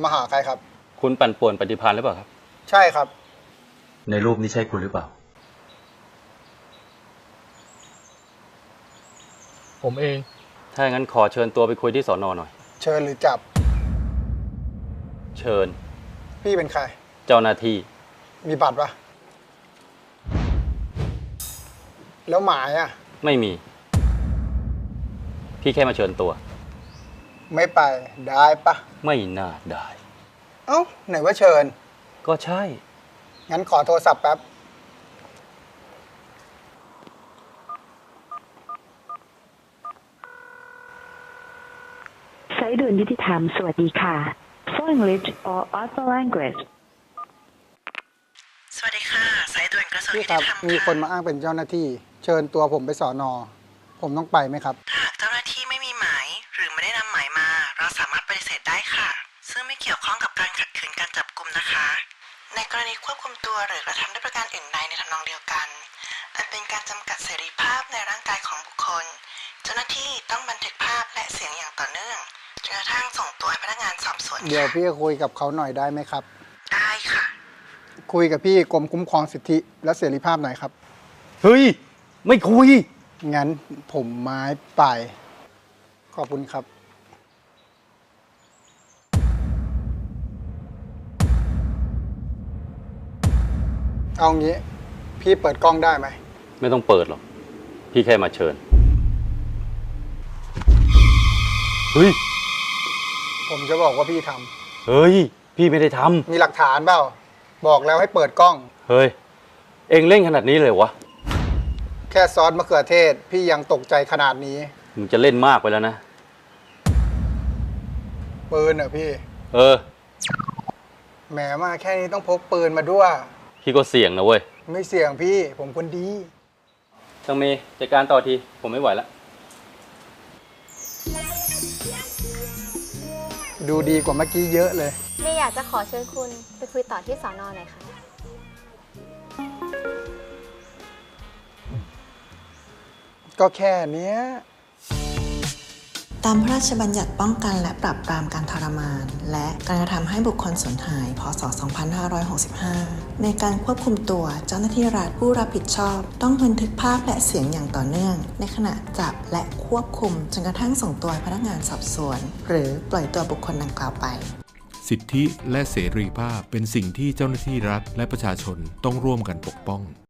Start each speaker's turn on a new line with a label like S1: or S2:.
S1: มาหาใครครับ
S2: คุณปั่นป่วนปฏิภาณหรือเปล่าครับ
S1: ใช่ครับ
S3: ในรูปนี้ใช่คุณหรือเปล่า
S4: ผมเอง
S2: ถ้าอย่างนั้นขอเชิญตัวไปคุยที่สน.หน่อย
S1: เชิญหรือจับ
S2: เชิญ
S1: พี่เป็นใคร
S2: เจ้าหน้าที่
S1: มีบัตรปะแล้วหมายอ่ะ
S2: ไม่มีพี่แค่มาเชิญตัว
S1: ไม่ไปได้ปะ
S2: ไม่น่าได้
S1: เอ้าไหนว่าเชิญ
S2: ก็ใช่
S1: งั้นขอโทรศัพท์แป๊บ
S5: สายด่วนยุติธรรมสวัสดีค่ะ For English or other language
S6: สวัสดีค่ะสายด่วนกระทรวง
S1: พี่ครับ
S6: ยุติธรรม
S1: มีคนมาอ้างเป็นเจ้าหน้าที่เชิญตัวผมไปสอนอผมต้องไปไหมครับ
S6: ถ้าหากเจ้าหน้าที่ไม่มีหมายหรือไม่ได้นำหมายมาเราสามารถปฏิเสธได้ค่ะซึ่งไม่เกี่ยวข้องกับการขัดขืนการจับกุมนะคะในกรณีควบคุมตัวหรือกระทำด้วยประการอื่นใดในทำนองเดียวกันอันเป็นการจำกัดเสรีภาพในร่างกายของบุคคลเจ้าหน้าที่ต้องบันทึกภาพและเสียงอย่างต่อเนื่องจนกระทั่งส่งตัวให้พนักงานสอบสวน
S1: เดี๋ยวพี่คุยกับเขาหน่อยได้ไหมครับ
S6: ได้ค่ะ
S1: คุยกับพี่กรมคุ้มครองสิทธิและเสรีภาพหน่อยครับ
S2: เฮ้ยไม่คุย
S1: งั้นผมไม้ไปขอบคุณครับเอางี้พี่เปิดกล้องได้ไหม
S2: ไม่ต้องเปิดหรอกพี่แค่มาเชิญเฮ้ย
S1: ผมจะบอกว่าพี่ท
S2: ำเฮ้ยพี่ไม่ได้ท
S1: ำมีหลักฐานเปล่าบอกแล้วให้เปิดกล้อง
S2: เฮ้ยเอ็งเล่นขนาดนี้เลยวะ
S1: แค่ซอสมะเขือเทศพี่ยังตกใจขนาดนี้
S2: มึงจะเล่นมากไปแล้วนะ
S1: ปืนเหรอพี่แหมมาแค่นี้ต้องพกปืนมาด้วย
S2: พี่ก็เสี่ยงนะเว้ย
S1: ไม่เสี่ยงพี่ผมคนดี
S2: ช่างเมย์จัดการต่อทีผมไม่ไหวแล้ว
S1: ดูดีกว่าเมื่อกี้เยอะเลย
S7: เมย์อยากจะขอเชิญคุณไปคุยต่อที่สน.หน่อยค่ะ
S1: ก็แค่เนี้ย
S6: ตามพระราชบัญญัติป้องกันและปราบปรามการทรมานและการกระทำให้บุคคลสูญหาย พ.ศ. 2565 ในการควบคุมตัวเจ้าหน้าที่รัฐผู้รับผิดชอบต้องบันทึกภาพและเสียงอย่างต่อเนื่องในขณะจับและควบคุมจนกระทั่งส่งตัวพนักงานสอบสวนหรือปล่อยตัวบุคคลดังกล่าวไป
S8: สิทธิและเสรีภาพเป็นสิ่งที่เจ้าหน้าที่รัฐและประชาชนต้องร่วมกันปกป้อง